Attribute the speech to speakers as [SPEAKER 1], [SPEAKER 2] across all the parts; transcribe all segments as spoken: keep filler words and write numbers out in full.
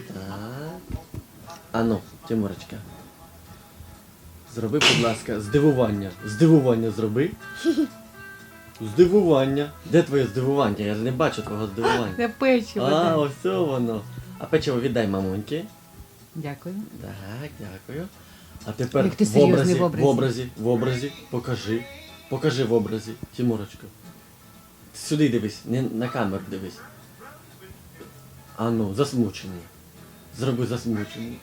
[SPEAKER 1] Так. Ану, Тимурочка. Зроби, будь ласка, здивування. Здивування зроби. Здивування. Де твоє здивування? Я ж не бачу твого здивування.
[SPEAKER 2] Це печиво.
[SPEAKER 1] А,
[SPEAKER 2] да.
[SPEAKER 1] ось це воно. А печиво віддай мамуньки.
[SPEAKER 2] Дякую.
[SPEAKER 1] Так, дякую. А тепер
[SPEAKER 2] Як ти
[SPEAKER 1] в
[SPEAKER 2] серйозний
[SPEAKER 1] образі,
[SPEAKER 2] в образі.
[SPEAKER 1] в образі, в образі, покажи. Покажи в образі, Тимурочка. Сюди дивись, не на камеру дивись. А ну, засмучений. Зроби засмучений.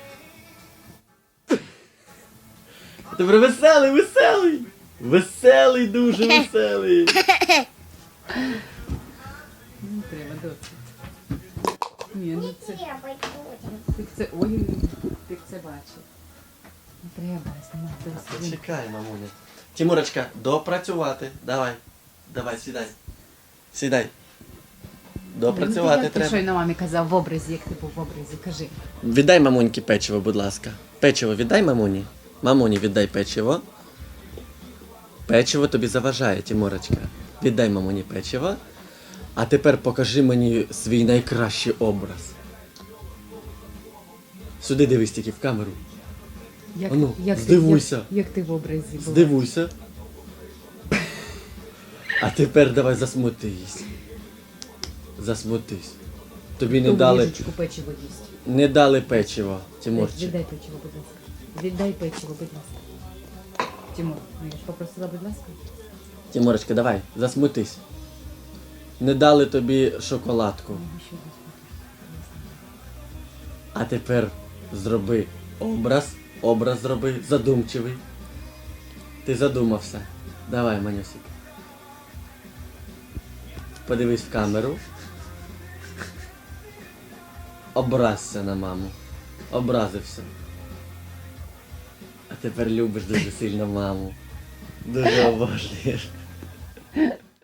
[SPEAKER 1] А тепер веселий, веселий! Веселий, дуже веселий!
[SPEAKER 2] Не треба, досить. Ні, ну це...
[SPEAKER 3] Треба потім.
[SPEAKER 2] Ти це... Ой, ти це бачив. Не треба знімати досить.
[SPEAKER 1] Почекай, мамуня. Тимурочка, допрацювати. Давай. Давай, сідай. Сідай. Допрацювати
[SPEAKER 2] Як ти
[SPEAKER 1] треба.
[SPEAKER 2] щойно мамі казав в образі, як ти був в образі, кажи.
[SPEAKER 1] Віддай мамуньки печиво, будь ласка. Печиво віддай мамуні. Мамуні віддай печиво. Печиво тобі заважає, Тимурочка. Віддай мамуні печиво. А тепер покажи мені свій найкращий образ. Сюди дивись тільки в камеру.
[SPEAKER 2] Як,
[SPEAKER 1] Ану,
[SPEAKER 2] як ти-
[SPEAKER 1] здивуйся.
[SPEAKER 2] Як, як ти в образі була?
[SPEAKER 1] Здивуйся. А тепер давай засмутись. Засмутись. Тобі не
[SPEAKER 2] Ту
[SPEAKER 1] дали,
[SPEAKER 2] ложечку печиво їсть.
[SPEAKER 1] не дали печиво, Тимурчик.
[SPEAKER 2] Віддай печиво, будь ласка. Віддай печиво, будь ласка. Тимур, ну я ж попросила, будь ласка.
[SPEAKER 1] Тимурочка, давай, засмутись. Не дали тобі шоколадку.
[SPEAKER 2] Ну, ще раз.
[SPEAKER 1] А тепер зроби образ. Образ зроби, задумчивий. Ти задумався. Давай, Манюсик. Подивись в камеру. Образся на маму. Образився. А тепер любиш дуже сильно маму. Дуже обожнюєш.